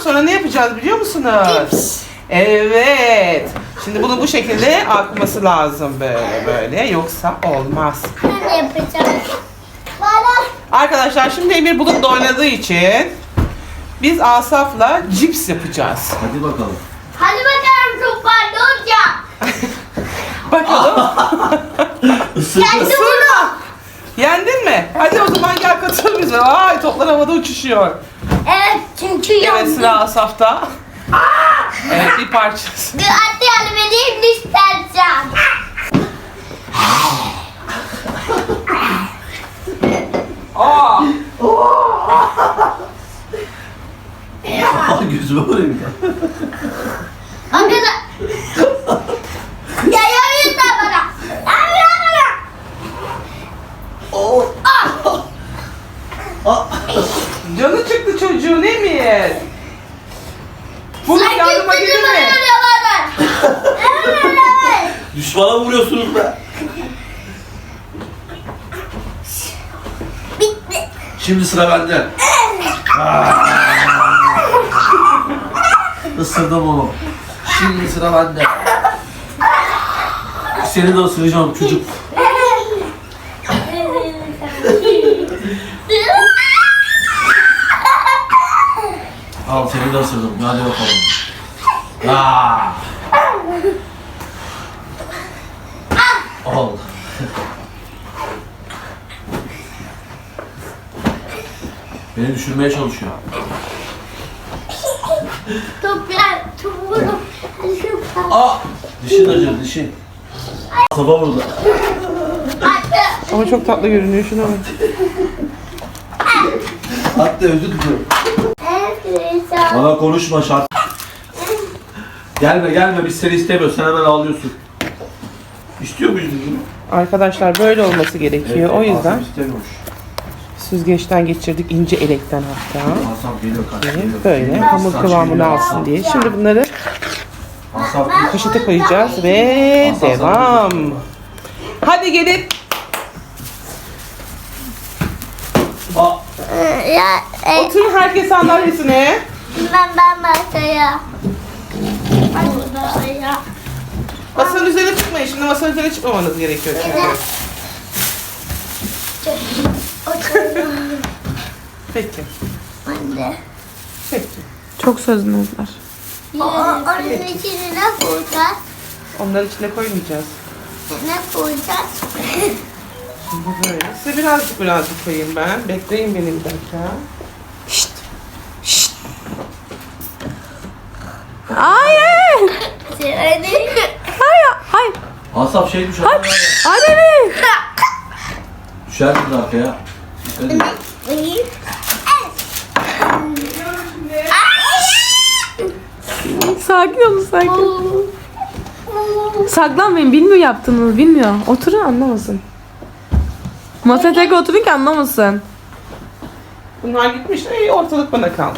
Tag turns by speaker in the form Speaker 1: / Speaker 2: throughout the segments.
Speaker 1: sonra ne yapacağız biliyor musunuz?
Speaker 2: Cips.
Speaker 1: Evet. Şimdi bunu bu şekilde akması lazım böyle. Yoksa olmaz.
Speaker 2: Ben yapacağım. Bana.
Speaker 1: Arkadaşlar şimdi Emir bulutla oynadığı için biz Asaf'la cips yapacağız.
Speaker 3: Hadi bakalım.
Speaker 2: Hadi bakalım çok var ne olacak?
Speaker 1: Bakalım.
Speaker 2: Kendi bunu.
Speaker 1: Yendin mi? Hadi o zaman gel katıl bize. Vay toplar havada uçuşuyor.
Speaker 2: Evet çünkü
Speaker 1: Evet
Speaker 2: yandım.
Speaker 1: sıra Asaf'ta. Evet bir parçası.
Speaker 2: Hadi yardım edeyim mi istersen?
Speaker 1: Aa!
Speaker 3: Gözüme vurayım ya.
Speaker 2: Arkadaşlar. Ya yapıyorsun da bana. Yapıyorsun bana.
Speaker 3: Oh.
Speaker 1: Canı çıktı çocuğun Emir. Bulut
Speaker 2: Sanki
Speaker 1: yardıma gelir
Speaker 2: bana
Speaker 1: mi?
Speaker 2: öyle bana. Evet.
Speaker 3: Düşmana vuruyorsunuz be.
Speaker 2: Bitti.
Speaker 3: Şimdi sıra bende. Isırdım onu. Şimdi sıra bende. Seni de ısıracağım çocuk. Al seni de ısırdım. Hadi bakalım. Al. Beni düşürmeye çalışıyor.
Speaker 2: Toprak, topuğum.
Speaker 3: Dişin acır, dişin. Kafa vurdu.
Speaker 1: Ama çok tatlı görünüyor şuna bak.
Speaker 3: Hatta özür diliyorum. Bana konuşma şart. Gelme biz seni istemiyoruz. Sen hemen ağlıyorsun. İstiyor muyuz bunu?
Speaker 1: Arkadaşlar böyle olması gerekiyor. O yüzden
Speaker 3: Asım istemiyormuş.
Speaker 1: süzgeçten geçirdik ince elekten hatta.
Speaker 3: Asam geliyor kardeşim.
Speaker 1: Böyle hamur kıvamını alsın diye. Şimdi bunları
Speaker 3: Asam
Speaker 1: poşete koyacağız ve devam. Hadi gelin.
Speaker 2: Ya,
Speaker 1: Oturun herkes sandalyesine.
Speaker 2: ben masaya. Masaya.
Speaker 1: Masanın üzerine çıkmayın. Şimdi masanın üzerine çıkmamanız gerekiyor çünkü. Peki.
Speaker 2: Anne.
Speaker 1: Peki.
Speaker 4: Çok sözlüler.
Speaker 2: Onun içine ne koyacağız?
Speaker 1: Onların içine koymayacağız.
Speaker 2: Ne koyacağız?
Speaker 1: Şimdi böyle. Size birazcık koyayım ben. Bekleyin beni bir dakika.
Speaker 4: Hayır.
Speaker 2: Söyle.
Speaker 4: Hayır.
Speaker 3: Asap şey düşer.
Speaker 4: Anne.
Speaker 3: Düşer kız arkaya. Hadi.
Speaker 4: Sakin olun sakin. Saklanmayın. Bilmiyor yaptığınızı. Bilmiyor. Oturun anlamasın. Masaya tek oturun ki anlamasın.
Speaker 1: Bunlar gitmiş. Ortalık bana kaldı.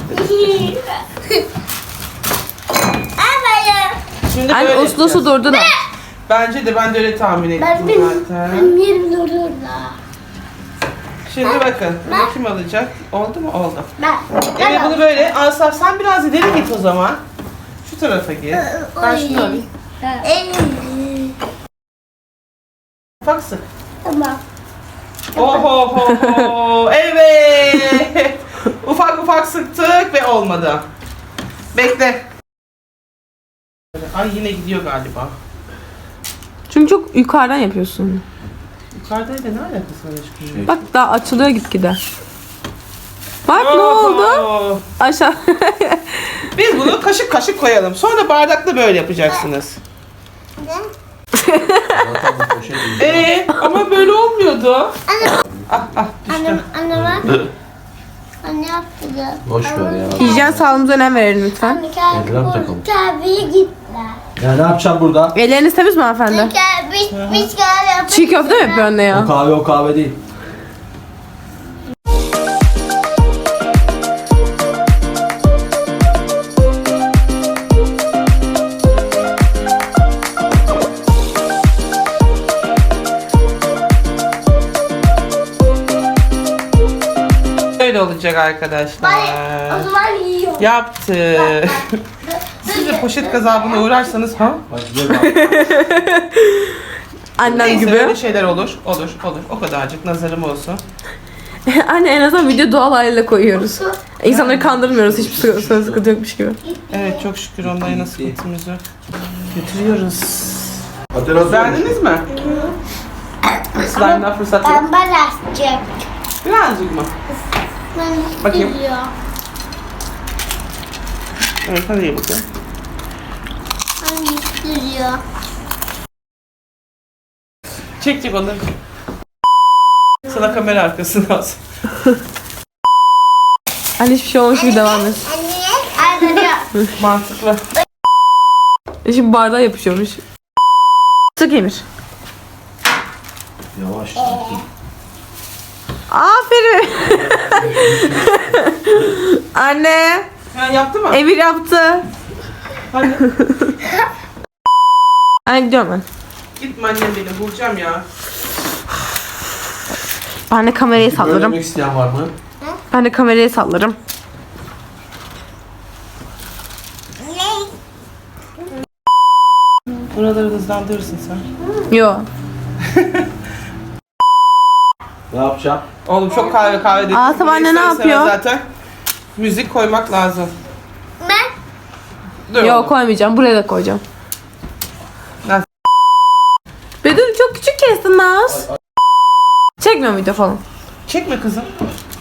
Speaker 1: Şimdi
Speaker 4: Anne
Speaker 1: böyle
Speaker 4: uslu
Speaker 1: yapacağız.
Speaker 4: durdu da.
Speaker 1: Bence de ben de öyle tahmin ettim
Speaker 2: Ben
Speaker 1: zaten.
Speaker 2: benim yerim orada.
Speaker 1: Şimdi bakın. Bunu kim alacak? Oldu mu? Oldu.
Speaker 2: Ben.
Speaker 1: Evet bunu böyle. Asaf sen biraz ileri git o zaman. Şu tarafa git. Ben şunu alayım. Ufak sık.
Speaker 2: Tamam.
Speaker 1: Oho. Evet. Ufak sıktık ve olmadı. Bekle. Ay yine gidiyor galiba.
Speaker 4: Çünkü çok yukarıdan yapıyorsun.
Speaker 1: Yukarıdaydı ne alakası var aşkım?
Speaker 4: Bak daha açılıyor gitgide. Bak ne oldu?
Speaker 1: Oho.
Speaker 4: Aşağı.
Speaker 1: Biz bunu kaşık kaşık koyalım. Sonra bardakla böyle yapacaksınız.
Speaker 3: Zaten bu poşet değil.
Speaker 1: Ama böyle olmuyordu.
Speaker 2: Anne, anne bak. Anne yaptı.
Speaker 3: Boş ver ya.
Speaker 4: Hijyen sağlığımıza önem verelim lütfen.
Speaker 2: Anne kalk
Speaker 3: Eldiven takalım.
Speaker 2: tabiye gittiler.
Speaker 3: Ya ne yapacağım burada?
Speaker 4: Elleriniz temiz mi hanımefendi?
Speaker 2: Biz gel
Speaker 4: Çiğ köfte mi yapıyor anne ya?
Speaker 3: O kahve değil.
Speaker 1: böyle olacak arkadaşlar.
Speaker 2: O zaman yiyor.
Speaker 1: Yaptı. Siz de poşet gazabına uğrarsanız ha?
Speaker 3: Bak güzel bak.
Speaker 4: Annem
Speaker 1: Neyse
Speaker 4: gibi.
Speaker 1: öyle şeyler olur. Olur. O kadarcık nazarım olsun.
Speaker 4: Anne en azından video doğal haliyle koyuyoruz. İnsanları kandırmıyoruz hiçbir söz sıkıntı yokmuş gibi.
Speaker 1: Evet çok şükür ondan yana sıkıntımız yok. Götürüyoruz.
Speaker 3: Hatırlasın.
Speaker 1: Beğendiniz mi? Slime'dan fırsat yok.
Speaker 2: Ben açacak.
Speaker 1: Birazcık mı?
Speaker 2: Ben
Speaker 1: Bakayım.
Speaker 2: istiyor.
Speaker 1: Evet hadi ye bakalım.
Speaker 2: Ben istiyor.
Speaker 1: Çek onu. Sana kamera arkasını alsın.
Speaker 4: Anne hiçbir şey olmuş gibi devam et.
Speaker 2: Anne.
Speaker 1: Mantıklı.
Speaker 4: Şimdi bardağa yapışıyormuş. Sık Emir.
Speaker 3: Yavaş.
Speaker 4: Aferin. Anne.
Speaker 1: Ha, yaptı mı?
Speaker 4: Emir yaptı.
Speaker 1: Hadi.
Speaker 4: Anne gidiyorum ben.
Speaker 1: Gitme annem benim. Bulacağım ya.
Speaker 4: Ben de kamerayı sallarım.
Speaker 3: Söylemek isteyen var mı?
Speaker 4: Ben de kamerayı sallarım.
Speaker 1: Buraları hızlandırırsın sen.
Speaker 4: Yo.
Speaker 3: Ne yapacağım?
Speaker 1: Oğlum çok kahve dedim.
Speaker 4: Asaf anne ne
Speaker 1: İster istemez
Speaker 4: yapıyor?
Speaker 1: Zaten müzik koymak lazım.
Speaker 2: Ben
Speaker 1: Dur
Speaker 4: Yo
Speaker 1: oğlum.
Speaker 4: koymayacağım. Buraya da koyacağım.
Speaker 1: Nasıl?
Speaker 4: Bedül çok küçük kestin Naz. Çekmiyor muydu falan?
Speaker 1: Çekme kızım.